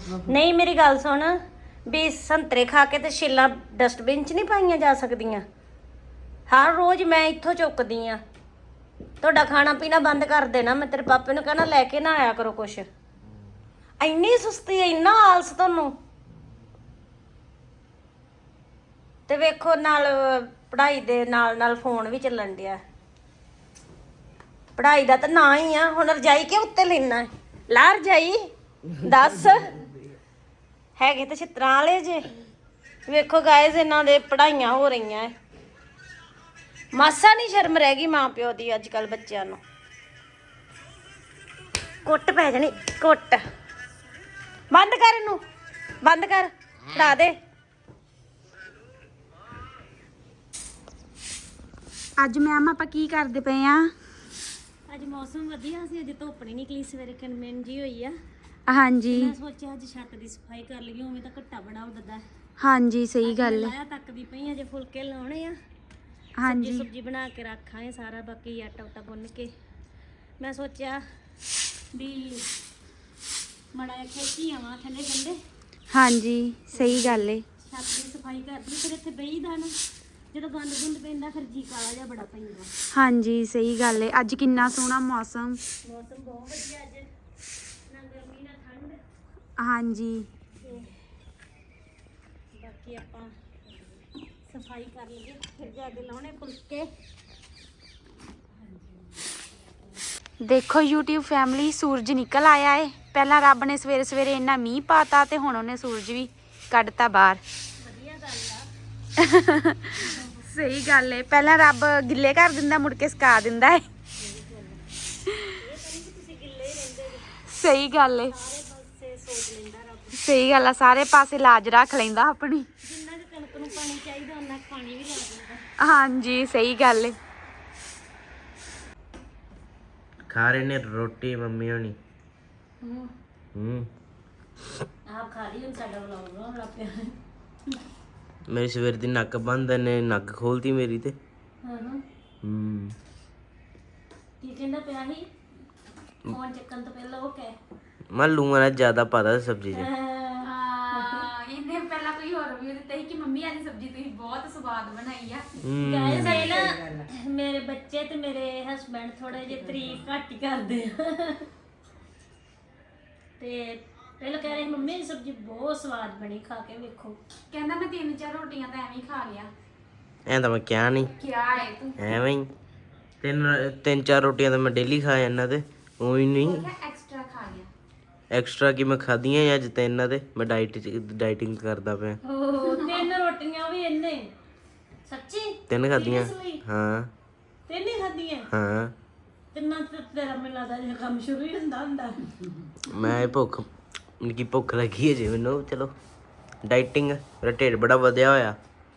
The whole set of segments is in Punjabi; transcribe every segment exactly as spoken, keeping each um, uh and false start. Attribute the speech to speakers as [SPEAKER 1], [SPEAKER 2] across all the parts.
[SPEAKER 1] ਨਹੀਂ ਮੇਰੀ ਗੱਲ ਸੁਣ ਵੀ ਸੰਤਰੇ ਖਾ ਕੇ ਤੇ ਛਿੱਲਾਂ ਡਸਟਬਿਨ 'ਚ ਨਹੀਂ ਪਾਈਆਂ ਜਾ ਸਕਦੀਆਂ। ਹਰ ਰੋਜ਼ ਮੈਂ ਇੱਥੋਂ ਚੁੱਕਦੀ ਆ। ਤੁਹਾਡਾ ਖਾਣਾ ਪੀਣਾ ਬੰਦ ਕਰ ਦੇਣਾ। ਮੈਂ ਤੇਰੇ ਪਾਪੇ ਨੂੰ ਕਹਿਣਾ ਲੈ ਕੇ ਨਾ ਆਇਆ ਕਰੋ ਕੁਛ। ਇੰਨੀ ਸੁਸਤੀ, ਇੰਨਾ ਆਲਸ ਤੁਹਾਨੂੰ। ਤੇ ਵੇਖੋ ਨਾਲ ਪੜ੍ਹਾਈ ਦੇ ਨਾਲ ਨਾਲ ਫੋਨ ਵੀ ਚੱਲਣ ਡਿਆ। ਪੜ੍ਹਾਈ ਦਾ ਤਾਂ ਨਾ ਹੀ ਆ। ਹੁਣ ਰਜਾਈ ਕਿ ਉੱਤੇ ਲੈਣਾ ਲਾ ਰਜਾਈ ਦੱਸ। ਹੈਗੇ ਤੇ ਛਿੱਤਰਾਂ ਵਾਲੇ ਜੇ। ਵੇਖੋ ਗਾਇਜ਼ ਇਹਨਾਂ ਦੇ ਪੜ੍ਹਾਈਆਂ ਹੋ ਰਹੀਆਂ। ਮਾਸਾ ਨਹੀਂ ਸ਼ਰਮ ਰਹਿ ਗਈ ਮਾਂ ਪਿਓ ਦੀ ਅੱਜ ਕੱਲ ਬੱਚਿਆਂ ਨੂੰ। ਕੁੱਟ ਪੈ ਜਾਣੀ ਕੁੱਟ। ਬੰਦ ਕਰ ਇਹਨੂੰ, ਬੰਦ ਕਰ, ਫੜਾ ਦੇ।
[SPEAKER 2] ਅੱਜ ਮੈਮ ਆਪਾਂ ਕੀ ਕਰਦੇ ਪਏ ਆ?
[SPEAKER 1] ਅੱਜ ਮੌਸਮ ਵਧੀਆ ਸੀ। ਅੱਜ ਧੁੱਪ ਨਹੀਂ ਨਿਕਲੀ, ਸਵੇਰੇ ਕਿਨਮਿਨ ਜੀ ਹੋਈ ਆ।
[SPEAKER 2] ਹਾਂਜੀ
[SPEAKER 1] ਮੈਂ ਸੋਚਿਆ ਅੱਜ ਛੱਤ ਦੀ ਸਫਾਈ ਕਰ ਲਈਏ। ਉਵੇਂ ਤਾਂ ਘੱਟਾ ਬੜਾ ਉੱਡਦਾ।
[SPEAKER 2] ਹਾਂਜੀ ਸਹੀ ਗੱਲ ਹੈ।
[SPEAKER 1] ਲਾਇਆ ਤੱਕ ਦੀ ਪਈ ਅਜੇ ਫੁਲਕੇ ਲਾਉਣੇ ਆ।
[SPEAKER 2] ਹਾਂਜੀ
[SPEAKER 1] ਸਬਜ਼ੀ ਬਣਾ ਕੇ ਰੱਖਾਂਗੇ ਸਾਰਾ। ਬਾਕੀ ਆਟਾ ਉਟਾ ਗੁੰਨ ਕੇ ਮੈਂ ਸੋਚਿਆ ਵੀ ਮੜਾ ਜਿਹਾ ਖੇਤੀ ਆਵਾਂ ਥੱਲੇ ਗੰਡੇ।
[SPEAKER 2] ਹਾਂਜੀ ਸਹੀ ਗੱਲ ਹੈ।
[SPEAKER 1] ਛੱਤ ਦੀ ਸਫਾਈ ਕਰਦੀ ਫਿਰ ਇੱਥੇ ਬਹੀਦਾ ਨਾ। ਜਦੋਂ ਗੰਦ ਗੁੰਦ ਪੈਂਦਾ ਫਿਰ ਜੀ ਕਾਲਾ ਜਿਹਾ ਬੜਾ ਪੈਂਦਾ।
[SPEAKER 2] ਹਾਂਜੀ ਸਹੀ ਗੱਲ ਹੈ। ਅੱਜ ਕਿੰਨਾ ਸੋਹਣਾ ਮੌਸਮ।
[SPEAKER 1] ਮੌਸਮ ਬਹੁਤ ਵਧੀਆ ਅੱਜ, ਨਾ ਗਰਮੀ ਨਾ ਠੰਡ।
[SPEAKER 2] ਹਾਂਜੀ
[SPEAKER 1] ਬਾਕੀ ਆਪਾਂ ਸਫਾਈ ਕਰ ਲਈਏ ਫਿਰ ਜਾ ਕੇ ਲਾਉਣੇ ਫੁਲਕੇ।
[SPEAKER 2] ਦੇਖੋ YouTube ਫੈਮਿਲੀ, ਸੂਰਜ ਨਿਕਲ ਆਇਆ ਏ। ਪਹਿਲਾਂ ਰੱਬ ਨੇ ਸਵੇਰੇ ਸਵੇਰੇ ਇੰਨਾ ਮੀਂਹ ਪਾਤਾ ਤੇ ਹੁਣ ਉਹਨੇ ਸੂਰਜ ਵੀ ਕੱਢਤਾ ਬਾਹਰ।
[SPEAKER 1] ਵਧੀਆ ਗੱਲ ਆ।
[SPEAKER 2] ਸਹੀ ਗੱਲ ਏ। ਪਹਿਲਾਂ ਰੱਬ ਗਿੱਲੇ ਕਰ ਦਿੰਦਾ, ਮੁੜ ਕੇ ਸੁਕਾ ਦਿੰਦਾ ਏ। ਸਹੀ ਗੱਲ ਏ। ਸਹੀ ਗੱਲ ਆ। ਸਾਰੇ ਪਾਸੇ ਲਾਜ ਰੱਖ ਲੈਂਦਾ ਆਪਣੀ।
[SPEAKER 1] ਜਿੰਨਾ ਕੁ ਕਣਕ ਨੂੰ ਪਾਣੀ ਚਾਹੀਦਾ ਉਹਨਾਂ ਪਾਣੀ ਵੀ ਲਾ ਦਿੰਦਾ।
[SPEAKER 2] ਹਾਂਜੀ ਸਹੀ ਗੱਲ ਏ।
[SPEAKER 3] ਖਾ ਰਹੇ ਨੇ ਰੋਟੀ ਮੰਮੀ ਹੋਣੀ।
[SPEAKER 1] ਹੂੰ
[SPEAKER 3] ਹੂੰ
[SPEAKER 1] ਆਪ ਖਾ ਲਈ। ਹੁਣ ਸਾਡਾ ਵਲੌਗ ਬਣਾਉਣ ਲੱਗ ਪਿਆ।
[SPEAKER 3] ਮੇਰੀ ਸਵੇਰ ਦੀ ਨੱਕ ਬੰਦ ਨੇ ਨੱਕ ਖੋਲਤੀ ਮੇਰੀ ਤੇ।
[SPEAKER 1] ਹਾਂ ਹਾਂ
[SPEAKER 3] ਹੂੰ
[SPEAKER 1] ਕੀ ਕਹਿੰਦਾ ਪਿਆ ਸੀ ਫੋਨ ਚੱਕਣ ਤੋਂ ਪਹਿਲਾਂ? ਉਹ ਕਹਿ
[SPEAKER 3] ਮੈਂ ਲੂਣ ਨਾਲ ਜ਼ਿਆਦਾ ਪਾਦਾ ਸਬਜ਼ੀ 'ਚ।
[SPEAKER 2] ਇਹਨੇ ਪਹਿਲਾਂ ਕੋਈ ਹੋਰ ਵੀ ਦਿੱਤਾ ਸੀ ਕਿ ਮੰਮੀ ਅੱਜ ਸਬਜ਼ੀ ਤੁਸੀਂ ਬਹੁਤ ਸਵਾਦ ਬਣਾਈ ਆ।
[SPEAKER 1] ਗਾਇਸ ਇਹ ਨਾ ਮੇਰੇ ਬੱਚੇ ਤੇ ਮੇਰੇ ਹਸਬੰਡ ਥੋੜੇ ਜਿਹੇ ਤਾਰੀਫ ਘੱਟ ਹੀ ਕਰਦੇ ਆ। ਤੇ ਪਹਿਲਾਂ ਕਹਿ ਰਹੇ ਮੰਮੀ ਦੀ ਸਬਜ਼ੀ ਬਹੁਤ ਸਵਾਦ ਬਣੀ, ਖਾ ਕੇ ਵੇਖੋ।
[SPEAKER 2] ਕਹਿੰਦਾ ਮੈਂ ਤਿੰਨ ਚਾਰ ਰੋਟੀਆਂ ਤਾਂ ਐਵੇਂ ਹੀ ਖਾ ਲਿਆ।
[SPEAKER 3] ਐਂ ਤਾਂ ਮੈਂ ਕਿਹਾ ਨਹੀਂ।
[SPEAKER 2] ਕਿਆ ਹੈ ਤੂੰ?
[SPEAKER 3] ਐਵੇਂ ਹੀ ਤਿੰਨ ਤਿੰਨ ਚਾਰ ਰੋਟੀਆਂ ਤਾਂ ਮੈਂ ਡੇਲੀ ਖਾ ਜਾਂਦਾ ਤੇ ਉਹ ਹੀ ਨਹੀਂ
[SPEAKER 2] ਐਕਸਟਰਾ ਖਾ ਲਿਆ।
[SPEAKER 3] ਐਕਸਟਰਾ ਕੀ ਮੈਂ ਖਾਧੀਆਂ ਅੱਜ ਤੇ ਇਹਨਾਂ ਦੇ ਮੈਂ ਡਾਈਟ ਡਾਈਟਿੰਗ ਕਰਦਾ ਪਿਆ।
[SPEAKER 1] ਓ ਤਿੰਨ ਰੋਟੀਆਂ ਵੀ ਇੰਨੇ ਸੱਚੀ?
[SPEAKER 3] ਤਿੰਨ ਖਾਧੀਆਂ।
[SPEAKER 1] Seriously?
[SPEAKER 3] ਹਾਂ
[SPEAKER 1] ਤਿੰਨ ਹੀ ਖਾਧੀਆਂ?
[SPEAKER 3] ਹਾਂ
[SPEAKER 1] ਤਿੰਨਾਂ ਤੇ ਤੇਰਾ ਮੈਨੂੰ ਲੱਗਦਾ ਜਿਹਾ ਕੰਮ ਸ਼ੁਰੂ ਹੀ ਹੁੰਦਾ ਹੁੰਦਾ।
[SPEAKER 3] ਮੈਂ ਭੁੱਖ ਮੈਨੂੰ ਕੀ ਭੁੱਖ ਲੱਗੀ ਹੈ ਜੀ ਮੈਨੂੰ। ਚਲੋ ਡਾਈਟਿੰਗ ਮੇਰਾ ਢਿੱਡ ਬੜਾ ਵਧਿਆ ਹੋਇਆ।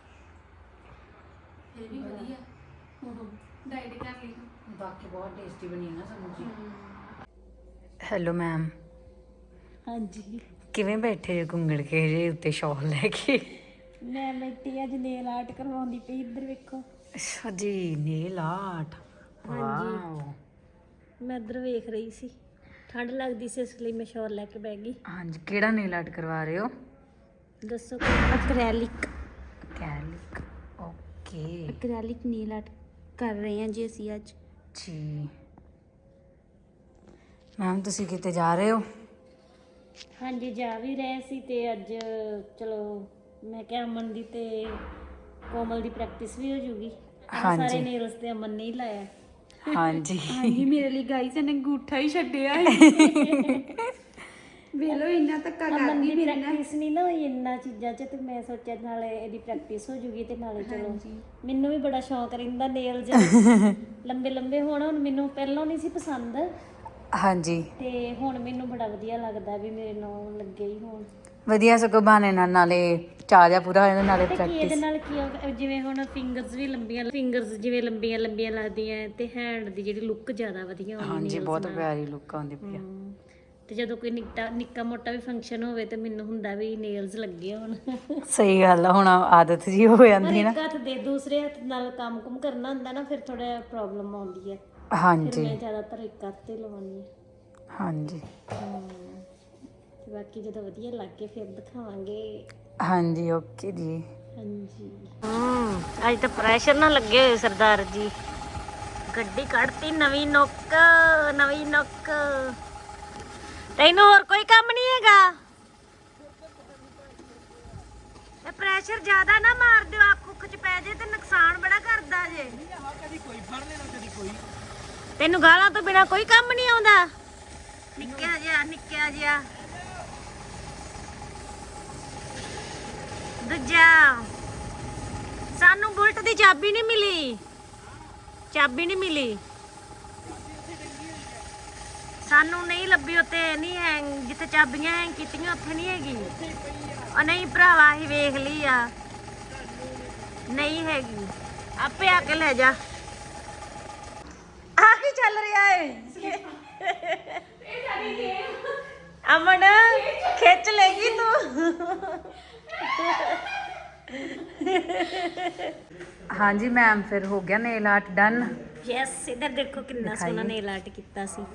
[SPEAKER 2] ਇਹ ਵੀ ਵਧੀਆ ਡਾਈਟ ਕਰ ਲਈ। ਬਾਕੀ ਬਹੁਤ ਟੇਸਟੀ ਬਣੀ ਹੈ ਨਾ ਸਬਜ਼ੀ। Hello ma'am.
[SPEAKER 1] ਹਾਂਜੀ
[SPEAKER 2] ਕਿਵੇਂ ਬੈਠੇ ਜੇ ਘੁੰਗੜ ਕੇ ਜੇ ਉੱਤੇ ਸ਼ਾਲ ਲੈ ਕੇ?
[SPEAKER 1] ਮੈਂ ਬੈਠੀ ਅੱਜ ਨੇਲ ਆਰਟ ਕਰਵਾਉਂਦੀ ਪਈ। ਇੱਧਰ ਵੇਖੋ।
[SPEAKER 2] ਅੱਛਾ ਜੀ ਨੇਲ ਆਰਟ। ਵਾਓ।
[SPEAKER 1] ਮੈਂ ਇੱਧਰ ਵੇਖ ਰਹੀ ਸੀ, ਠੰਡ ਲੱਗਦੀ ਸੀ ਇਸ ਲਈ ਮੈਂ ਸ਼ਾਲ ਲੈ ਕੇ ਬਹਿ ਗਈ।
[SPEAKER 2] ਹਾਂਜੀ ਕਿਹੜਾ ਨੇਲ ਆਰਟ ਕਰਵਾ ਰਹੇ ਹੋ?
[SPEAKER 1] ਦੱਸੋ। Acrylic.
[SPEAKER 2] Acrylic okay.
[SPEAKER 1] Acrylic nail art ਕਰ ਰਹੇ ਹਾਂ ਜੀ ਅਸੀਂ ਅੱਜ।
[SPEAKER 2] ਜੀ ਮੈਮ ਤੁਸੀਂ ਕਿਤੇ ਜਾ ਰਹੇ ਹੋ?
[SPEAKER 1] ਹਾਂਜੀ ਜਾ ਵੀ ਰਹੇ ਸੀ ਤੇ ਅੱਜ ਚਲੋ ਮੈਂ ਕਿਹਾ ਅਮਨ ਦੀ ਤੇ ਕੋਮਲ ਦੀ ਪ੍ਰੈਕਟਿਸ ਵੀ ਹੋ ਜੂਗੀ।
[SPEAKER 2] ਹਾਂਜੀ।
[SPEAKER 1] ਸਾਰੇ ਨੇਲਸ ਤੇ ਅਮਨ ਨੇ ਹੀ ਲਾਇਆ।
[SPEAKER 2] ਹਾਂਜੀ
[SPEAKER 4] ਹਾਂਜੀ ਮੇਰੇ ਲਈ ਗਾਈਸ ਇਹਨੇ ਅੰਗੂਠਾ ਹੀ ਛੱਡਿਆ ਹੈ। ਵੇਲੋ ਇੰਨਾ ਧੱਕਾ
[SPEAKER 1] ਅਮਨ
[SPEAKER 4] ਕਰਦੀ
[SPEAKER 1] ਦੀ
[SPEAKER 4] ਮੇਰੇ ਨਾਲ।
[SPEAKER 1] ਪ੍ਰੈਕਟਿਸ ਨਹੀਂ ਨਾ ਹੋਈ ਇੰਨਾ ਚੀਜ਼ਾਂ 'ਚ ਤੇ ਮੈਂ ਸੋਚਿਆ ਨਾਲੇ ਇਹਦੀ ਪ੍ਰੈਕਟਿਸ ਹੋ ਜੂਗੀ ਤੇ ਨਾਲੇ ਚਲੋ ਮੈਨੂੰ ਵੀ ਬੜਾ ਸ਼ੌਂਕ ਰਹਿੰਦਾ ਨੇਲਸ ਲੰਬੇ ਲੰਬੇ ਹੋਣ। ਹੁਣ ਮੈਨੂੰ ਪਹਿਲਾਂ ਨਹੀਂ ਸੀ ਪਸੰਦ
[SPEAKER 2] ਹਾਂਜੀ
[SPEAKER 1] ਤੇ ਹੁਣ ਮੈਨੂੰ ਬੜਾ ਵਧੀਆ ਲੱਗਦਾ ਵੀ ਮੇਰੇ ਨਾਲ ਲੱਗੇ ਹੀ ਹੋਣ।
[SPEAKER 2] ਵਧੀਆ ਸਗੋਂ ਬਹਾਨੇ ਨਾਲ ਨਾਲੇ ਚਾਅ ਜਿਹਾ ਪੂਰਾ ਹੋ ਜਾਂਦਾ ਨਾਲੇ
[SPEAKER 1] ਤੇ ਕੀ ਇਹਦੇ
[SPEAKER 2] ਪ੍ਰੈਕਟਿਸ।
[SPEAKER 1] ਨਾਲ ਕੀ ਆ, ਜਿਵੇਂ ਹੁਣ ਫਿੰਗਰਸ ਵੀ ਲੰਬੀਆਂ ਫਿੰਗਰਸ ਜਿਵੇਂ ਲੰਬੀਆਂ ਲੰਬੀਆਂ ਲੱਗਦੀਆਂ ਤੇ ਹੈਂਡ ਦੀ ਜਿਹੜੀ ਲੁੱਕ ਜ਼ਿਆਦਾ ਵਧੀਆ ਆਉਂਦੀ।
[SPEAKER 2] ਹਾਂਜੀ ਬਹੁਤ ਪਿਆਰੀ ਲੁੱਕ ਆਉਂਦੀ ਪਈ ਆ।
[SPEAKER 1] ਤੇ ਜਦੋਂ ਕੋਈ ਨਿੱਕਾ ਨਿੱਕਾ ਮੋਟਾ ਵੀ ਫੰਕਸ਼ਨ ਹੋਵੇ ਤੇ ਮੈਨੂੰ ਹੁੰਦਾ ਵੀ ਨੇਲਸ ਲੱਗੇ ਹੋਣ।
[SPEAKER 2] ਸਹੀ ਗੱਲ ਆ। ਹੁਣ ਆਦਤ ਜੀ ਹੋ
[SPEAKER 1] ਪਰ
[SPEAKER 2] ਜਾਂਦੀ ਹੈ
[SPEAKER 1] ਇੱਕ
[SPEAKER 2] ਨਾ।
[SPEAKER 1] ਹੱਥ ਦੇ ਦੂਸਰੇ ਹੱਥ ਨਾਲ ਕੰਮ ਕੁਮ ਕਰਨਾ ਹੁੰਦਾ ਨਾ ਫਿਰ ਥੋੜਾ ਪ੍ਰੋਬਲਮ ਆਉਂਦੀ ਹੈ। ਫਿਰ
[SPEAKER 2] ਹਾਂਜੀ
[SPEAKER 1] ਮੈਂ ਜ਼ਿਆਦਾਤਰ ਇੱਕ ਹੱਥ ਤੇ ਲਵਾਉਂਦੀ ਹਾਂ।
[SPEAKER 2] ਹਾਂਜੀ
[SPEAKER 1] ਤੇ ਬਾਕੀ ਜਦੋਂ ਵਧੀਆ ਲੱਗ ਕੇ ਫਿਰ ਦਿਖਾਵਾਂਗੇ।
[SPEAKER 2] ਹਾਂਜੀ ਓਕੇ ਜੀ।
[SPEAKER 1] ਹਾਂਜੀ ਹੂੰ ਅੱਜ ਤਾਂ ਪ੍ਰੈਸ਼ਰ ਨਾ ਲੱਗੇ ਹੋਏ ਸਰਦਾਰ ਜੀ। ਗੱਡੀ ਕੱਢਤੀ ਨਵੀਂ ਨੁੱਕ ਨਵੀਂ ਨੁੱਕ। ਤੈਨੂੰ ਹੋਰ ਕੋਈ ਕੰਮ ਨਹੀਂ ਹੈਗਾ? ਇਹ ਪ੍ਰੈਸ਼ਰ ਜ਼ਿਆਦਾ ਨਾ ਮਾਰ ਦਿਓ, ਅੱਖ ਉੱਖ ਚ ਪੈ ਜੇ ਤੇ ਨੁਕਸਾਨ ਬੜਾ ਕਰਦਾ ਜੇ।
[SPEAKER 3] ਕਦੀ ਕੋਈ ਫੜ ਲੈਣਾ ਕਦੀ ਕੋਈ।
[SPEAKER 1] ਤੈਨੂੰ ਗਾਲਾਂ ਤੋਂ ਬਿਨਾ ਕੋਈ ਕੰਮ ਨਹੀਂ ਆਉਂਦਾ? ਨਿੱਕਿਆ ਜਿਹਾ ਨਿੱਕਿਆ ਜਿਹਾ ਦੂਜਾ ਸਾਨੂੰ ਬੁਲਟ ਦੀ ਚਾਬੀ ਨਹੀਂ ਮਿਲੀ, ਚਾਬੀ ਨਹੀਂ ਮਿਲੀ ਸਾਨੂੰ, ਨਹੀਂ ਲੱਭੀ ਉੱਤੇ, ਨਹੀਂ ਹੈ ਜਿੱਥੇ ਚਾਬੀਆਂ ਹੈ ਕੀਤੀਆਂ ਉੱਥੇ ਨਹੀਂ ਹੈਗੀ। ਉਹ ਨਹੀਂ ਭਰਾਵਾ ਅਸੀਂ ਵੇਖ ਲਈ ਆ, ਨਹੀਂ ਹੈਗੀ, ਆਪੇ ਆ ਕੇ ਲੈ ਜਾ। ਆ ਕੀ ਚੱਲ ਰਿਹਾ ਏ? ਅਮਨ ਖਿੱਚ ਲੈਗੀ ਤੂੰ।
[SPEAKER 2] ਹਾਂਜੀ ਮੈਮ ਫਿਰ ਹੋ ਗਿਆ ਨੇਲ ਆਰਟ ਡਨ।
[SPEAKER 1] ਯੈਸ ਇਧਰ ਦੇਖੋ ਕਿੰਨਾ ਸੋਹਣਾ ਨੇਲ ਆਰਟ ਕੀਤਾ ਸੀ।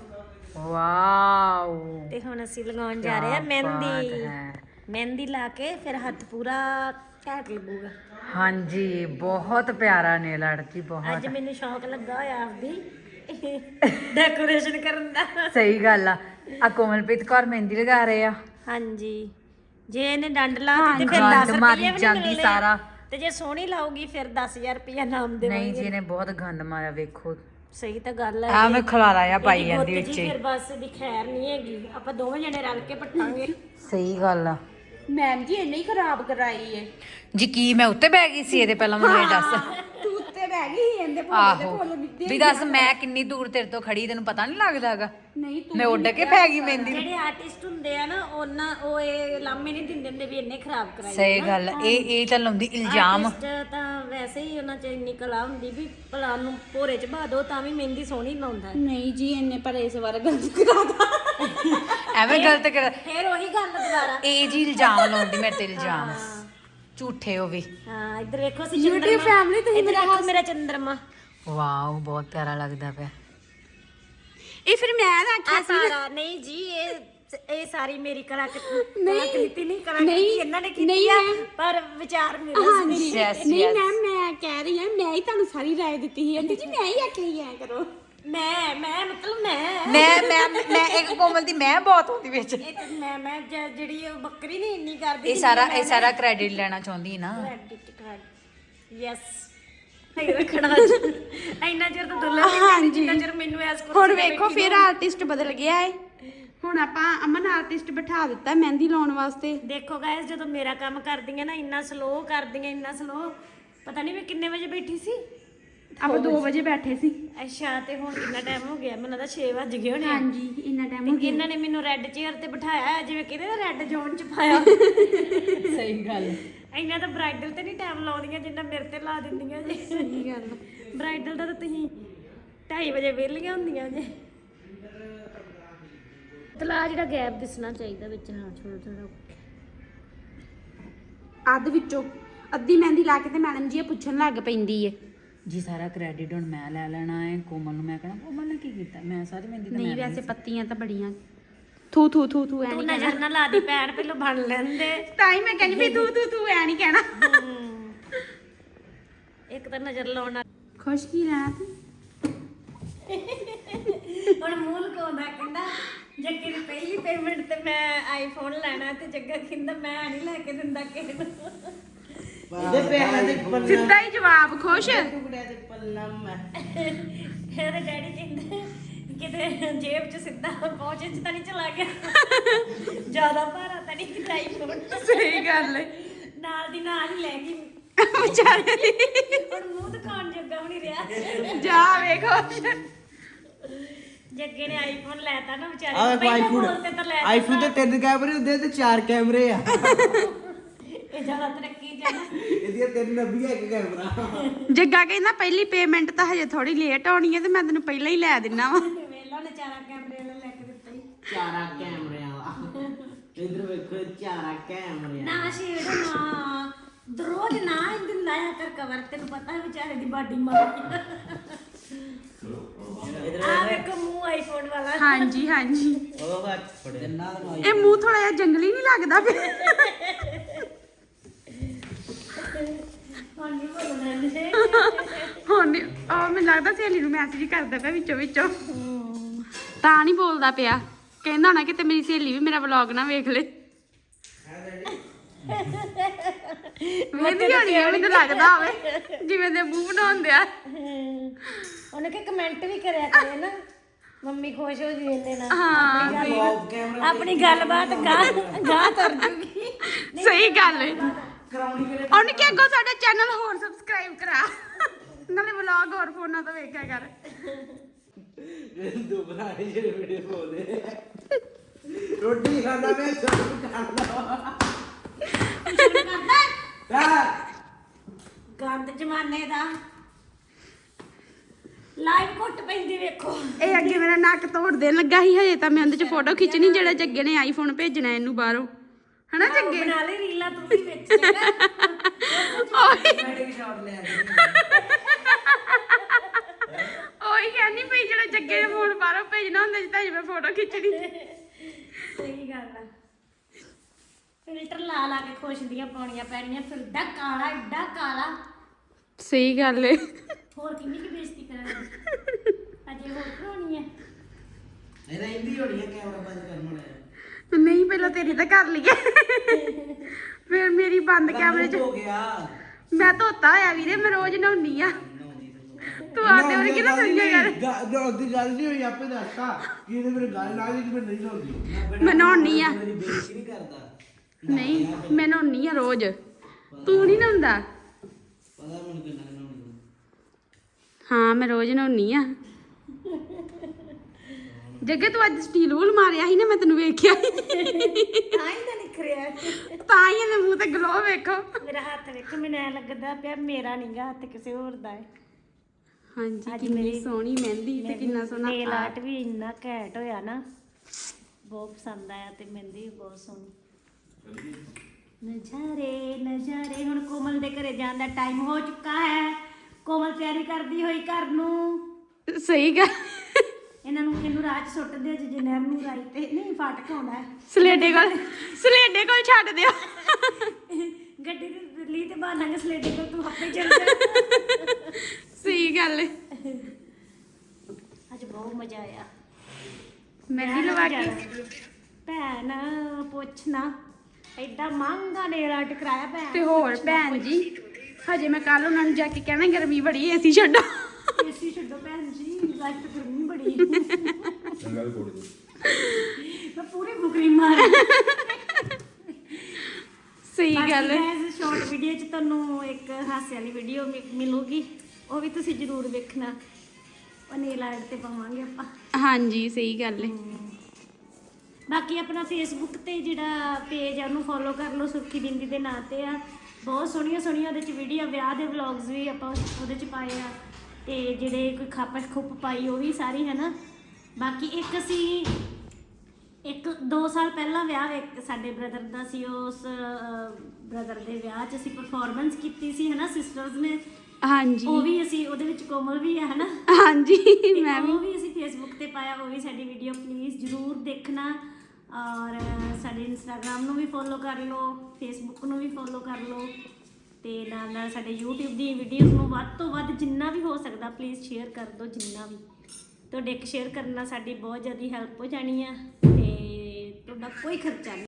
[SPEAKER 2] ਵਾਓ
[SPEAKER 1] ਤੇ ਹੁਣ ਅਸੀਂ ਲਗਾਉਣ ਜਾ ਰਹੇ ਆ ਮਹਿੰਦੀ। ਮਹਿੰਦੀ ਲਾ ਕੇ ਫਿਰ ਹੱਥ ਪੂਰਾ ਘੈਂਟ ਲੱਗੂਗਾ।
[SPEAKER 2] ਹਾਂਜੀ ਬਹੁਤ ਪਿਆਰਾ ਨੇਲ ਆਰਟ ਜੀ, ਬਹੁਤ।
[SPEAKER 1] ਅੱਜ ਮੈਨੂੰ ਸ਼ੌਕ ਲੱਗਾ ਹੋਇਆ ਆਪਦੀ ਡੈਕੋਰੇਸ਼ਨ ਕਰਨ ਦਾ।
[SPEAKER 2] ਸਹੀ ਗੱਲ ਆ। ਆ ਕੋਮਲਪ੍ਰੀਤ ਕੌਰ ਮਹਿੰਦੀ ਲਗਾ ਰਹੇ ਆ।
[SPEAKER 1] ਹਾਂਜੀ ਜੇ ਇਹਨੇ ਡੰਡ ਲਾਤੀ ਤੇ ਫਿਰ ਦਸ ਰੁਪਏ ਵੀ ਨਹੀਂ
[SPEAKER 2] ਜਾਂਦੀ
[SPEAKER 1] ਮਿਲਣੇ
[SPEAKER 2] ਸਾਰਾ।
[SPEAKER 1] ਤੇ ਜੇ ਸੋਹਣੀ ਲਾਉਗੀ ਫਿਰ ਦਸ ਹਜ਼ਾਰ ਰੁਪਇਆ ਨਾਮ ਦੇਵਾਂਗੇ।
[SPEAKER 2] ਨਹੀਂ ਜੀ ਇਹਨੇ ਬਹੁਤ ਗੰਦ ਮਾਰਿਆ, ਵੇਖੋ।
[SPEAKER 1] ਸਹੀ ਤਾਂ ਗੱਲ ਹੈ।
[SPEAKER 2] ਆ ਮੈਂ ਖਲਾਰਾ ਆ ਪਾਈ ਜਾਂਦੀ
[SPEAKER 1] ਵਿੱਚ
[SPEAKER 2] ਵਿੱਚ।
[SPEAKER 1] ਫਿਰ ਬਸ ਦੀ ਖੈਰ ਨਹੀਂ ਹੈਗੀ, ਆਪਾਂ ਦੋਵੇਂ ਜਣੇ ਰਲ ਕੇ ਪੱਟਾਂਗੇ।
[SPEAKER 2] ਸਹੀ ਗੱਲ ਆ।
[SPEAKER 4] ਮੈਮ ਜੀ ਇੰਨੇ ਹੀ ਖਰਾਬ ਕਰਾਈ ਏ।
[SPEAKER 2] ਜੀ ਕੀ ਮੈਂ ਉੱਤੇ ਬਹਿ ਗਈ ਸੀ ਇਹਦੇ? ਪਹਿਲਾਂ ਮੈਨੂੰ ਇਹ ਦੱਸ।
[SPEAKER 4] ਤੂੰ ਉੱਤੇ ਬਹਿ ਗਈ ਸੀ ਇਹਦੇ ਭੋਲੇ ਦੇ
[SPEAKER 2] ਆਹੋ
[SPEAKER 4] ਭੋਲੇ ਨਿੱਦੇ।
[SPEAKER 2] ਵੀ ਦੱਸ ਮੈਂ ਕਿੰਨੀ ਦੂਰ ਤੇਰੇ ਤੋਂ ਖੜੀ, ਤੈਨੂੰ ਪਤਾ ਨਹੀਂ ਲੱਗਦਾਗਾ?
[SPEAKER 4] ਨਹੀਂ ਤੂੰ
[SPEAKER 2] ਮੈਂ ਉੱਡ ਕੇ ਪੈ ਗਈ ਮਹਿੰਦੀ ਨੂੰ।
[SPEAKER 1] ਜਿਹੜੇ ਆਰਟਿਸਟ ਹੁੰਦੇ ਆ ਨਾ ਉਹਨਾਂ ਉਹ ਇਹ ਲਾਮੇ ਨਹੀਂ ਦਿੰਦੇ ਹੁੰਦੇ ਵੀ ਇੰਨੇ ਖਰਾਬ ਕਰਾਈ।
[SPEAKER 2] ਸਹੀ ਗੱਲ। ਇਹ ਇਹ ਤਾਂ ਲਾਉਂਦੀ ਇਲਜ਼ਾਮ।
[SPEAKER 1] ਆਰਟਿਸਟ ਤਾਂ ਵੈਸੇ ਹੀ ਉਹਨਾਂ ਚ ਇੰਨੀ ਕਲਾ ਹੁੰਦੀ ਵੀ ਭਲਾ ਨੂੰ ਭੋਰੇ ਚ ਬਾ ਦੋ ਤਾਂ ਵੀ ਮਹਿੰਦੀ ਸੋਹਣੀ ਲਾਉਂਦਾ।
[SPEAKER 4] ਨਹੀਂ ਜੀ ਇੰਨੇ ਪਰ ਇਸ ਵਾਰ ਗਲਤ ਕਰਾਤਾ।
[SPEAKER 2] ਐਵੇਂ ਗਲਤ ਕਰ।
[SPEAKER 1] ਫਿਰ ਉਹੀ ਗੱਲ ਦੁਬਾਰਾ।
[SPEAKER 2] ਇਹ ਜੀ ਇਲਜ਼ਾਮ ਲਾਉਂਦੀ ਮੇਰੇ ਤੇ, ਇਲਜ਼ਾਮ ਝੂਠੇ ਹੋ ਵੀ।
[SPEAKER 1] ਹਾਂ ਇੱਧਰ ਵੇਖੋ ਸੀ
[SPEAKER 4] YouTube ਫੈਮਿਲੀ ਤੁਸੀਂ
[SPEAKER 1] ਮੇਰਾ ਹੱਥ ਮੇਰਾ ਚੰਦਰਮਾ।
[SPEAKER 2] ਵਾਓ ਬਹੁਤ ਪਿਆਰਾ ਲੱਗਦਾ ਪਿਆ।
[SPEAKER 4] ਇਹ ਫਿਰ ਮੈਂ ਆਖਿਆ
[SPEAKER 1] ਆ ਸਾਰਾ ਨਹੀਂ ਜੀ ਇਹ ਇਹ ਸਾਰੀ ਮੇਰੀ ਕਲਾ ਕਲਾਕ੍ਰਿਤੀ ਨਹੀਂ ਕਰਾਂਗੀ ਇਹਨਾਂ ਨੇ ਕੀਤੀ ਆ, ਪਰ ਵਿਚਾਰ ਮੇਰਾ ਸੀ।
[SPEAKER 2] ਯੈਸ
[SPEAKER 4] ਨਹੀਂ
[SPEAKER 2] ਯੈਸ।
[SPEAKER 4] ਮੈਮ ਮੈਂ ਕਹਿ ਰਹੀ ਹਾਂ ਮੈਂ ਹੀ ਤੁਹਾਨੂੰ ਸਾਰੀ ਰਾਏ ਦਿੱਤੀ ਸੀ ਆਂਟੀ ਜੀ, ਮੈਂ ਹੀ ਆਖਿਆ ਹੀ ਐ ਕਰੋ।
[SPEAKER 1] ਮੈਂ ਮੈਂ ਮਤਲਬ ਮੈਂ
[SPEAKER 2] ਮੈਂ ਮੈਂ ਮੈਂ ਇੱਕ ਕੋਮਲ ਦੀ ਮੈਂ ਬਹੁਤ ਹੁੰਦੀ ਵਿੱਚ।
[SPEAKER 1] ਇਹ ਤਾਂ ਮੈਂ ਮੈਂ ਜ- ਜਿਹੜੀ ਉਹ ਬੱਕਰੀ ਨਹੀਂ ਇੰਨੀ ਕਰਦੀ।
[SPEAKER 2] ਇਹ ਸਾਰਾ ਇਹ ਸਾਰਾ ਕ੍ਰੈਡਿਟ ਲੈਣਾ ਚਾਹੁੰਦੀ ਨਾ।
[SPEAKER 1] ਕ੍ਰੈਡਿਟ ਕਾਰਡ ਯੈਸ ਨਹੀਂ ਰੱਖਣਾ ਇੰਨਾ ਚਿਰ ਤਾਂ ਦੁੱਲਾ ਨਹੀਂ ਜਿੰਨਾ ਚਿਰ ਮੈਨੂੰ ਐਸ ਕੁਰਸੀ
[SPEAKER 4] ਹੁਣ
[SPEAKER 1] ਤੇ
[SPEAKER 4] ਵੇਖੋ
[SPEAKER 1] ਬੈਠੀ
[SPEAKER 4] ਫਿਰ
[SPEAKER 1] ਨੂੰ।
[SPEAKER 4] ਆਰਟਿਸਟ ਬਦਲ ਗਿਆ ਏ। ਹੁਣ ਆਪਾਂ ਅਮਨ ਆਰਟਿਸਟ ਬਿਠਾ ਦਿੱਤਾ ਮਹਿੰਦੀ ਲਾਉਣ ਵਾਸਤੇ।
[SPEAKER 1] ਦੇਖੋ ਗਾਇਸ ਜਦੋਂ ਮੇਰਾ ਕੰਮ ਕਰਦੀਆਂ ਨਾ ਇੰਨਾ ਸਲੋ ਕਰਦੀਆਂ ਇੰਨਾ ਸਲੋ, ਪਤਾ ਨਹੀਂ ਮੈਂ ਕਿੰਨੇ ਵਜੇ ਬੈਠੀ ਸੀ।
[SPEAKER 4] ਆਪਾਂ ਦੋ ਵਜੇ ਬੈਠੇ ਸੀ।
[SPEAKER 1] ਅੱਛਾ ਤੇ ਹੁਣ ਕਿੰਨਾ ਟਾਈਮ ਹੋ ਗਿਆ? ਮੈਨੂੰ ਲੱਗਦਾ ਛੇ ਵੱਜ ਗਏ ਹੋਣੇ ਆ।
[SPEAKER 4] ਹਾਂਜੀ ਇੰਨਾ ਟਾਈਮ ਹੋ
[SPEAKER 1] ਤੇ ਇਹਨਾਂ ਨੇ ਮੈਨੂੰ ਰੈੱਡ ਚੇਅਰ ਤੇ ਬਿਠਾਇਆ ਜਿਵੇਂ ਕਿਹਦੇ ਨਾ ਰੈੱਡ ਜ਼ੋਨ ਚ ਪਾਇਆ।
[SPEAKER 2] ਸਹੀ ਗੱਲ।
[SPEAKER 1] ਇੰਨਾ ਤਾਂ ਬ੍ਰਾਈਡਲ ਤੇ ਨਹੀਂ ਟਾਈਮ ਲਾਉਂਦੀਆਂ ਜਿੰਨਾ ਮੇਰੇ ਤੇ ਲਾ ਦਿੰਦੀਆਂ ਜੀ।
[SPEAKER 4] ਸਹੀ ਗੱਲ।
[SPEAKER 1] ਬ੍ਰਾਈਡਲ ਦਾ ਤਾਂ ਤੁਸੀਂ ਢਾਈ ਵਜੇ ਵਿਹਲੀਆਂ ਹੁੰਦੀਆਂ ਜੇ। ਤਲਾ ਜਿਹੜਾ ਗੈਪ ਦਿਸਣਾ ਚਾਹੀਦਾ ਵਿੱਚ, ਹਾਂ ਥੋੜਾ ਥੋੜਾ।
[SPEAKER 4] ਅੱਧ ਵਿੱਚੋਂ ਅੱਧੀ ਮਹਿੰਦੀ ਲਾ ਕੇ ਤੇ ਮੈਡਮ ਜੀ ਇਹ ਪੁੱਛਣ ਲੱਗ ਪੈਂਦੀ ਏ
[SPEAKER 2] ਜੀ ਸਾਰਾ ਕ੍ਰੈਡਿਟ ਹੁਣ ਮੈਂ ਲੈ ਲੈਣਾ ਹੈ। ਕੋਮਲ ਨੂੰ ਮੈਂ ਕਹਣਾ ਕੋਮਲ ਨੇ ਕੀ ਕੀਤਾ, ਮੈਂ ਸਾਰੀ ਮਹਿੰਦੀ ਤਾਂ
[SPEAKER 4] ਨਹੀਂ
[SPEAKER 2] ਮੈਂ
[SPEAKER 4] ਵੈਸੇ ਪੱਤੀਆਂ ਤਾਂ ਬੜੀਆਂ ਥੂ ਥੂ ਥੂ ਥੂ ਐ
[SPEAKER 1] ਤੂੰ
[SPEAKER 4] ਨਹੀਂ
[SPEAKER 1] ਨਜ਼ਰ ਨਾ ਲਾ ਦੀ ਭੈਣ, ਪਹਿਲਾਂ ਬਣ ਲੈਂਦੇ।
[SPEAKER 4] ਤਾਂ ਹੀ ਮੈਂ ਕਹਿੰਦੀ ਵੀ ਥੂ ਥੂ ਥੂ ਐ ਨਹੀਂ ਕਹਿਣਾ।
[SPEAKER 1] ਇੱਕ ਤਾਂ ਨਜ਼ਰ ਲਾਉਣਾ।
[SPEAKER 4] ਖੁਸ਼ ਕੀ ਰਹਿਣਾ ਤੂੰ?
[SPEAKER 1] ਹੁਣ ਮੂੰਹ ਲਗਾਉਂਦਾ ਕਹਿੰਦਾ ਜੱਗੇ ਦੀ ਪਹਿਲੀ ਪੇਮੈਂਟ ਤੇ ਮੈਂ ਆਈਫੋਨ ਲੈਣਾ, ਤੇ ਜੱਗਾ ਕਹਿੰਦਾ ਮੈਂ ਨਹੀਂ ਲੈ ਕੇ ਦਿੰਦਾ ਕਿਸੇ ਨੂੰ।
[SPEAKER 4] ਸਿੱਧਾ ਹੀ ਜਵਾਬ। ਖੁਸ਼?
[SPEAKER 1] ਇਹਦੇ ਡੈਡੀ ਕਹਿੰਦੇ ਕਿਤੇ ਜੇਬ 'ਚ ਸਿੱਧਾ ਪਹੁੰਚੇ 'ਚ ਤਾਂ ਨਹੀਂ ਚਲਾ ਗਿਆ, ਜ਼ਿਆਦਾ ਭਾਰਾ ਤਾਂ ਨਹੀਂ ਕਿਤੇ ਆਈਫੋਨ।
[SPEAKER 4] ਸਹੀ ਗੱਲ ਏ।
[SPEAKER 1] ਨਾਲ ਦੀ ਨਾਲ ਹੀ ਲੈ ਗਈ
[SPEAKER 4] ਵਿਚਾਰੇ ਦੀ
[SPEAKER 1] ਹੁਣ ਮੂੰਹ ਦਿਖਾਉਣ ਜੋਗਾ ਵੀ ਨਹੀਂ ਰਿਹਾ।
[SPEAKER 4] ਜਾ ਵੇਖੋ
[SPEAKER 1] ਜੱਗੇ ਨੇ ਆਈਫੋਨ ਲੈਤਾ ਨਾ ਵਿਚਾਰੇ
[SPEAKER 3] ਆ
[SPEAKER 1] ਨੂੰ,
[SPEAKER 3] ਵੇਖੋ
[SPEAKER 1] ਪਹਿਲੇ
[SPEAKER 3] ਆਈਫੋਨ
[SPEAKER 1] ਫੋਨ ਤੇ ਤਾਂ ਲੈ
[SPEAKER 3] ਆਈਫੋਨ ਤੇ ਤਿੰਨ ਕੈਮਰੇ ਹੁੰਦੇ ਤੇ ਚਾਰ ਕੈਮਰੇ ਆ।
[SPEAKER 1] ਇਹ ਜ਼ਿਆਦਾ ਤਰੱਕੀ ਜਾਣਾ।
[SPEAKER 3] ਇਹਦੀਆਂ ਤਿੰਨ ਨੱਬੀਆਂ ਇੱਕ ਕੈਮਰਾ।
[SPEAKER 4] ਜੱਗਾ ਕਹਿੰਦਾ ਪਹਿਲੀ ਪੇਮੈਂਟ ਤਾਂ ਹਜੇ ਥੋੜੀ ਲੇਟ ਆਉਣੀ ਹੈ ਤੇ ਮੈਂ ਤੈਨੂੰ ਪਹਿਲਾਂ ਹੀ ਲੈ ਦਿੰਨਾ ਵਾ।
[SPEAKER 1] ਵੇਲਾ ਨੇ ਚਾਰਾ ਕੈਮਰੇ ਵਾਲਾ ਲੈ ਕੇ ਦਿੱਤਾ ਹੀ।
[SPEAKER 3] ਚਾਰਾ ਕੈਮਰਿਆਂ ਵਾਲਾ। ਇਧਰ ਵੇਖੋ ਚਾਰਾ ਕੈਮਰਿਆਂ।
[SPEAKER 1] ਨਾ ਛੇੜ ਨਾ ਦਰੋਜ ਨਾ ਇਹਦੇ ਲਾਇਆ ਕਰ ਕਵਰ, ਤੈਨੂੰ ਪਤਾ ਹੈ ਵਿਚਾਰੇ ਦੀ ਬਾਡੀ ਮਾਰ। ਆ ਵੇਖੋ ਮੂੰਹ ਆਈਫੋਨ ਵਾਲਾ।
[SPEAKER 2] ਹਾਂਜੀ ਹਾਂਜੀ
[SPEAKER 3] ਉਹ ਹੱਥ ਫੜੇ
[SPEAKER 2] ਇਹ ਮੂੰਹ ਥੋੜਾ ਜਿਹਾ ਜੰਗਲੀ ਨਹੀਂ ਲੱਗਦਾ ਫਿਰ
[SPEAKER 1] ਹੁਣ ਨਹੀਂ ਬੋਲਣਾ ਇਹਨੇ।
[SPEAKER 2] ਹੁਣ ਆ ਮੈਨੂੰ ਲੱਗਦਾ ਸਹੇਲੀ ਨੂੰ ਮੈਸੇਜ ਕਰਦਾ ਪਿਆ ਵਿੱਚੋਂ ਵਿੱਚੋਂ ਤਾਂ ਨਹੀਂ ਬੋਲਦਾ ਪਿਆ ਕਹਿੰਦਾ ਹੋਣਾ ਕਿਤੇ ਮੇਰੀ ਸਹੇਲੀ ਵੀ ਮੇਰਾ ਵਲੌਗ ਨਾ ਵੇਖ ਲੇ ਵੇਖਦੀ ਹੋਣੀ ਆ ਮੈਨੂੰ ਲੱਗਦਾ ਹੋਵੇ ਜਿਵੇਂ ਦੇ ਮੂੰਹ ਬਣਾਉਂਦੇ ਆ
[SPEAKER 1] ਉਹਨੇ ਕਿ ਕਮੈਂਟ ਵੀ ਕਰਿਆ ਕਰੇ ਨਾ ਮੰਮੀ ਖੁਸ਼ ਹੋ ਜੀ ਇਹਦੇ ਨਾਲ।
[SPEAKER 2] ਹਾਂ
[SPEAKER 1] ਆਪਣੀ ਗੱਲ- ਆਪਣੀ ਗੱਲਬਾਤ ਗਾਂ ਗਾਂ ਕਰ ਜੂਗੀ।
[SPEAKER 2] ਸਹੀ ਗੱਲ ਹੈ ਉਹਨੇ ਕਿ ਅੱਗੋਂ ਸਾਡਾ ਚੈਨਲ ਹੋਰ ਸਬਸਕ੍ਰਾਈਬ ਕਰਾ ਨਾਲੇ ਵਲੌਗ ਹੋਰ ਫੋਨਾਂ ਤੋਂ ਵੇਖਿਆ ਕਰ
[SPEAKER 3] ਦੋ ਬਣਾਏ ਜਿਹੜੇ ਵੀਡੀਓ ਬੋਲਦੇ ਰੋਟੀ ਖਾਂਦਾ ਮੈਂ ਸਭ ਖਾਂਦਾ
[SPEAKER 1] ਗੰਦ ਜਮਾਨੇ ਦਾ ਲਾਈਵ ਘੁੱਟ ਪੈਂਦੀ ਵੇਖੋ।
[SPEAKER 2] ਇਹ ਅੱਗੇ ਮੇਰਾ ਨੱਕ ਤੋੜ ਦੇਣ ਲੱਗਾ ਸੀ ਹਜੇ ਤਾਂ ਮੈਂ ਉਹਦੇ ਚ ਫੋਟੋ ਖਿੱਚਣੀ ਜਿਹੜਾ ਜੱਗੇ ਨੇ ਆਈਫੋਨ ਭੇਜਣਾ ਇਹਨੂੰ ਬਾਹਰੋਂ ਹਨਾ ਜੱਗੇ
[SPEAKER 1] ਬਣਾ ਲੈ ਰੀਲਾਂ ਤੂੰ ਵੀ ਵਿੱਚ ਚੰਗਾ।
[SPEAKER 2] ਉਹੀ ਕਹਿੰਦੀ ਪਈ ਜਿਹੜਾ ਜੱਗੇ ਨੇ ਫੋਨ ਬਾਹਰੋਂ ਭੇਜਣਾ ਹੁੰਦਾ ਜਿੱਦਾਂ ਜਿਵੇਂ ਫੋਟੋ ਖਿੱਚਣੀ
[SPEAKER 1] ਸਹੀ ਗੱਲ ਆ। ਫਿਲਟਰ ਲਾ ਲਾ ਕੇ ਖੁਸ਼ ਦੀਆਂ ਪਾਉਣੀਆਂ ਪੈਣੀਆਂ ਫਿਰਦਾ ਕਾਲਾ ਏਡਾ ਕਾਲਾ।
[SPEAKER 2] ਸਹੀ ਗੱਲ ਏ
[SPEAKER 1] ਹੋਰ ਕਿੰਨੀ ਕੀ ਬੇਇੱਜ਼ਤੀ ਕਰਾਂਗੇ ਅਜੇ ਹੋਰ ਕਰਾਉਣੀ ਹੈ।
[SPEAKER 3] ਇਹ ਰਹਿੰਦੀ ਹੋਣੀ ਹੈ ਕੈਮਰਾ ਬੰਦ ਕਰਨ ਵਾਲਾ
[SPEAKER 2] ਨਹੀਂ ਪਹਿਲਾਂ ਤੇਰੀ ਤਾਂ ਕਰ ਲਈਏ ਫਿਰ ਮੇਰੀ ਬੰਦ ਕੈਮਰੇ ਚ
[SPEAKER 3] ਹੋ ਗਿਆ
[SPEAKER 2] ਮੈਂ ਧੋਤਾ ਹੋਇਆ ਵੀਰੇ ਮੈਂ ਰੋਜ਼ ਨਹਾਉਣੀ ਆ ਤੂੰ ਆਦੇ ਹੋਰ ਕਿਹੜਾ ਸਮਝਿਆ ਯਾਰ
[SPEAKER 5] ਜੋ ਦੀ ਗੱਲ ਨਹੀਂ ਹੋਈ ਆਪੇ ਦੱਸਤਾ ਕਿ ਇਹਨੇ ਮੇਰੇ ਗੱਲ ਨਾਲ ਹੀ ਕਿ ਮੈਂ ਨਹੀਂ ਹੁੰਦੀ
[SPEAKER 2] ਮੈਂ ਨਹਾਉਣੀ ਆ
[SPEAKER 3] ਮੇਰੀ ਬੇਇੱਜ਼ਤੀ ਨਹੀਂ ਕਰਦਾ
[SPEAKER 2] ਨਹੀਂ ਮੈਂ ਨਹਾਉਣੀ ਆ ਰੋਜ਼ ਤੂੰ ਨਹੀਂ ਨਹਾਉਂਦਾ
[SPEAKER 3] ਪਤਾ ਮੈਨੂੰ ਕਿੰਨਾ ਨਹਾਉਣੀ
[SPEAKER 2] ਹਾਂ ਮੈਂ ਰੋਜ਼ ਨਹਾਉਣੀ ਆ ਜੱਗੇ ਤੂੰ ਅੱਜ ਸਟੀਲ ਵੂਲ ਮਾਰਿਆ ਸੀ ਨਾ ਮੈਂ ਤੈਨੂੰ ਵੇਖਿਆ
[SPEAKER 1] ਤਾਂ ਹੀ ਤਾਂ ਨਿਖਰਿਆ।
[SPEAKER 2] ਤਾਂ ਹੀ ਇਹਦੇ ਮੂੰਹ ਤੇ ਗਲੋ ਵੇਖੋ
[SPEAKER 1] ਮੇਰਾ ਹੱਥ ਵੇਖੋ ਮੈਨੂੰ ਐ ਲੱਗਦਾ ਪਿਆ ਮੇਰਾ ਨਹੀਂਗਾ ਹੱਥ ਕਿਸੇ ਹੋਰ ਦਾ ਹੈ।
[SPEAKER 2] ਹਾਂਜੀ
[SPEAKER 1] ਅੱਜ
[SPEAKER 2] ਕਿੰਨੀ
[SPEAKER 1] ਮੇਰੀ-
[SPEAKER 2] ਸੋਹਣੀ ਮਹਿੰਦੀ ਤੇ ਕਿੰਨਾ ਸੋਹਣਾ
[SPEAKER 1] ਨੇਲ ਆਰਟ ਵੀ ਇੰਨਾ ਘੈਂਟ ਹੋਇਆ ਨਾ ਬਹੁਤ ਪਸੰਦ ਆਇਆ ਤੇ ਮਹਿੰਦੀ ਵੀ ਬਹੁਤ ਸੋਹਣੀ। ਨਜ਼ਾਰੇ ਨਜ਼ਾਰੇ ਹੁਣ ਕੋਮਲ ਦੇ ਘਰੇ ਜਾਣ ਦਾ ਟਾਈਮ ਹੋ ਚੁੱਕਾ ਹੈ। ਕੋਮਲ ਤਿਆਰੀ ਕਰਦੀ ਹੋਈ ਘਰ ਨੂੰ।
[SPEAKER 2] ਸਹੀ ਗੱਲ
[SPEAKER 1] ਇਹਨਾਂ ਨੂੰ ਇਹਨੂੰ ਰਾਹ 'ਚ ਸੁੱਟ ਦਿਓ ਜੇ ਨਹਿਰ ਨੂੰ ਰਾਈ ਤੇ ਨਹੀਂ ਫਾਟਕ ਆਉਂਦਾ ਹੈ।
[SPEAKER 2] ਸਲੇਡੇ ਕੋਲ ਸਲੇਡੇ ਕੋਲ ਛੱਡ ਦਿਓ
[SPEAKER 1] ਗੱਡੀ ਦੀ ਦਿੱਲੀ ਤੇ ਬਾਨਾਂਗੇ ਸਲੇਡੇ ਕੋਲ ਤੂੰ ਆਪੇ ਚੱਲ ਜਾ।
[SPEAKER 2] ਸਹੀ ਗੱਲ ਏ
[SPEAKER 1] ਅੱਜ ਬਹੁਤ ਮਜ਼ਾ ਆਇਆ।
[SPEAKER 2] ਮਹਿੰਦੀ ਲਵਾ ਕੇ
[SPEAKER 1] ਭੈਣ ਪੁੱਛਣਾ ਐਡਾ ਮਹਿੰਗਾ ਨੇਲ ਆਰਟ ਕਰਾਇਆ ਭੈਣ।
[SPEAKER 2] ਤੇ ਹੋਰ ਭੈਣ ਜੀ ਹਜੇ ਮੈਂ ਕੱਲ ਉਹਨਾਂ ਨੂੰ ਜਾ ਕੇ ਕਹਿਣਾ ਗਰਮੀ ਬੜੀ ਏਸੀ ਛੱਡੋ
[SPEAKER 1] ਏਸੀ ਛੱਡੋ ਭੈਣ ਜੀ ਅੱਜ ਤਾਂ ਗਰਮੀ ਬੜੀ
[SPEAKER 5] ਚੰਗਾ ਵੀ ਕੋੜ ਦੇ
[SPEAKER 1] ਮੈਂ ਪੂਰੀ ਬੁਕਰੀ ਮਾਰ।
[SPEAKER 2] ਸਹੀ ਗੱਲ ਏ
[SPEAKER 1] ਸ਼ਾਰਟ ਵੀਡੀਓ 'ਚ ਤੁਹਾਨੂੰ ਇੱਕ ਹਾਸੇ ਵਾਲੀ ਵੀਡੀਓ ਮਿਲੂਗੀ ਉਹ ਵੀ ਤੁਸੀਂ ਜ਼ਰੂਰ ਵੇਖਣਾ। ਉਹ ਨੇਲ ਆਰਟ ਤੇ ਪਾਵਾਂਗੇ ਆਪਾਂ।
[SPEAKER 2] ਹਾਂਜੀ ਸਹੀ ਗੱਲ ਏ
[SPEAKER 1] ਬਾਕੀ ਆਪਣਾ ਫੇਸਬੁੱਕ ਤੇ ਜਿਹੜਾ ਪੇਜ ਆ ਉਹਨੂੰ ਫੋਲੋ ਕਰ ਲਓ ਸੁਰਖੀ ਬਿੰਦੀ ਦੇ ਨਾਂ ਤੇ ਆ। ਬਹੁਤ ਸੋਹਣੀਆਂ ਸੋਹਣੀਆਂ ਉਹਦੇ 'ਚ ਵੀਡੀਓ ਵਿਆਹ ਦੇ ਵਲੌਗਸ ਵੀ ਆਪਾਂ ਉਹਦੇ 'ਚ ਪਾਏ ਆ ਤੇ ਜਿਹੜੇ ਕੋਈ ਖੱਪ ਖੁੱਪ ਪਾਈ ਉਹ ਵੀ ਸਾਰੀ ਹੈ ਨਾ। ਬਾਕੀ ਇੱਕ ਅਸੀਂ ਇੱਕ ਦੋ ਸਾਲ ਪਹਿਲਾਂ ਵਿਆਹ ਵੇਖ ਸਾਡੇ ਬ੍ਰਦਰ ਦਾ ਸੀ ਉਸ ਬ੍ਰਦਰ ਦੇ ਵਿਆਹ 'ਚ ਅਸੀਂ ਪਰਫਾਰਮੈਂਸ ਕੀਤੀ ਸੀ ਹੈ ਨਾ ਸਿਸਟਰਸ ਨੇ।
[SPEAKER 2] ਹਾਂਜੀ
[SPEAKER 1] ਉਹ ਵੀ ਅਸੀਂ ਉਹਦੇ ਵਿੱਚ ਕੋਮਲ ਵੀ ਆ ਹੈ ਨਾ।
[SPEAKER 2] ਹਾਂਜੀ
[SPEAKER 1] ਤੇ
[SPEAKER 2] ਮੈਂ ਵੀ
[SPEAKER 1] ਉਹ ਵੀ ਅਸੀਂ ਫੇਸਬੁੱਕ ਤੇ ਪਾਇਆ ਉਹ ਵੀ ਸਾਡੀ ਵੀਡੀਓ ਪਲੀਜ਼ ਜ਼ਰੂਰ ਦੇਖਣਾ। ਔਰ ਸਾਡੇ ਇੰਸਟਾਗ੍ਰਾਮ ਨੂੰ ਵੀ ਫੋਲੋ ਕਰ ਲਓ ਫੇਸਬੁੱਕ ਨੂੰ ਵੀ ਫੋਲੋ ਕਰ ਲਓ ਤੇ ਨਾਲ ਨਾਲ ਸਾਡੇ YouTube ਦੀ ਵੀਡੀਓਜ਼ ਨੂੰ ਵੱਧ ਤੋਂ ਵੱਧ ਜਿੰਨਾ ਵੀ ਹੋ ਸਕਦਾ ਪਲੀਜ਼ ਸ਼ੇਅਰ ਕਰ ਦਿਓ ਜਿੰਨਾ ਵੀ। ਤੁਹਾਡੇ ਇੱਕ ਸ਼ੇਅਰ ਕਰਨ ਨਾਲ ਸਾਡੀ ਬਹੁਤ ਜ਼ਿਆਦਾ ਹੈਲਪ ਹੋ ਜਾਣੀ ਆ ਤੇ ਤੁਹਾਡਾ ਕੋਈ ਖਰਚਾ ਨਹੀਂ।